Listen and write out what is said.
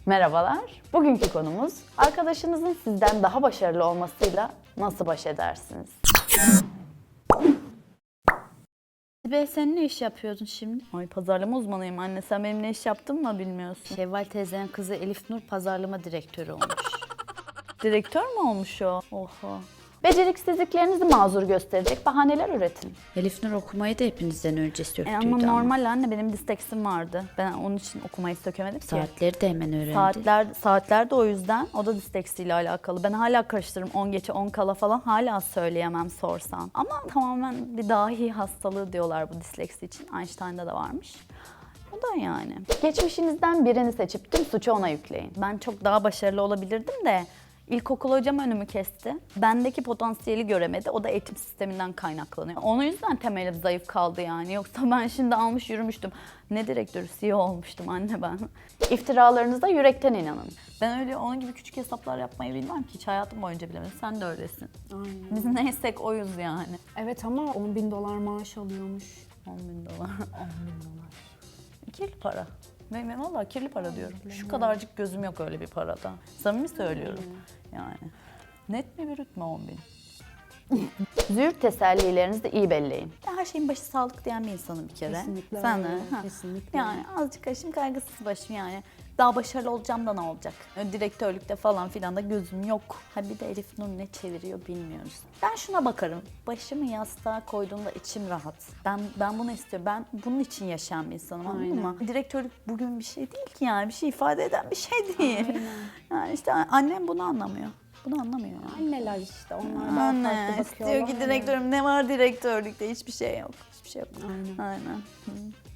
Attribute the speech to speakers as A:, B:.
A: Merhabalar. Bugünkü konumuz arkadaşınızın sizden daha başarılı olmasıyla nasıl baş edersiniz?
B: Be sen ne iş yapıyordun şimdi?
A: Ay pazarlama uzmanıyım anne. Sen benim ne iş yaptığımı mı bilmiyorsun?
B: Şevval teyzenin kızı Elif Nur pazarlama direktörü olmuş.
A: Direktör mü olmuş o? Oha. Beceriksizliklerinizi mazur gösterecek bahaneler üretin.
B: Elif Nur okumayı da hepinizden önce söktüydü
A: Ama normal anne, benim disleksim vardı. Ben onun için okumayı sökemedim ki.
B: Saatleri de hemen öğrendi.
A: Saatler de o yüzden. O da disleksiyle alakalı. Ben hala karıştırırım 10 geçe 10 kala falan, hala söyleyemem sorsan. Ama tamamen bir dahi hastalığı diyorlar bu disleksi için. Einstein'da da varmış. O da yani. Geçmişinizden birini seçip tüm suçu ona yükleyin. Ben çok daha başarılı olabilirdim de İlkokul hocam önümü kesti. Bendeki potansiyeli göremedi. O da eğitim sisteminden kaynaklanıyor. Onun yüzden temelim zayıf kaldı yani. Yoksa ben şimdi almış yürümüştüm. Ne direktörü, CEO olmuştum anne ben. İftiralarınıza yürekten inanın. Ben öyle onun gibi küçük hesaplar yapmayı bilmem ki. Hiç hayatım boyunca bilemedim. Sen de öylesin.
C: Aynen.
A: Biz neysek oyuz yani.
C: Evet ama 10.000 dolar maaş alıyormuş.
A: 10.000 dolar.
C: 10.000 dolar.
A: Kirli para. Ben vallahi kirli para diyorum. Şu kadarcık gözüm yok öyle bir parada. Samimi söylüyorum yani. Net mi brüt mü 10.000? Züğürt tesellilerinizi de iyi belleyin. Ben her şeyin başı sağlık diyen bir insanım bir kere.
C: Kesinlikle
A: Sen
C: öyle,
A: de.
C: kesinlikle
A: Yani azıcık başım kaygısız başım yani. Daha başarılı olacağım da ne olacak? Direktörlükte falan filan da gözüm yok. Ha bir de Elif Nur ne çeviriyor bilmiyoruz. Ben şuna bakarım. Başımı yastığa koyduğumda içim rahat. Ben bunu istiyorum. Ben bunun için yaşayan bir insanım, anladın mı? Direktörlük bugün bir şey değil ki yani. Bir şey ifade eden bir şey değil.
C: Aynen.
A: Yani işte annem bunu anlamıyor. Bunu anlamıyor yani.
C: Anneler işte onlar daha
A: Anne
C: farklı bakıyorlar.
A: istiyor ki direktörüm, ne var direktörlükte? Hiçbir şey yok. Hiçbir şey yok.
C: Aynen.
A: Aynen. Hı.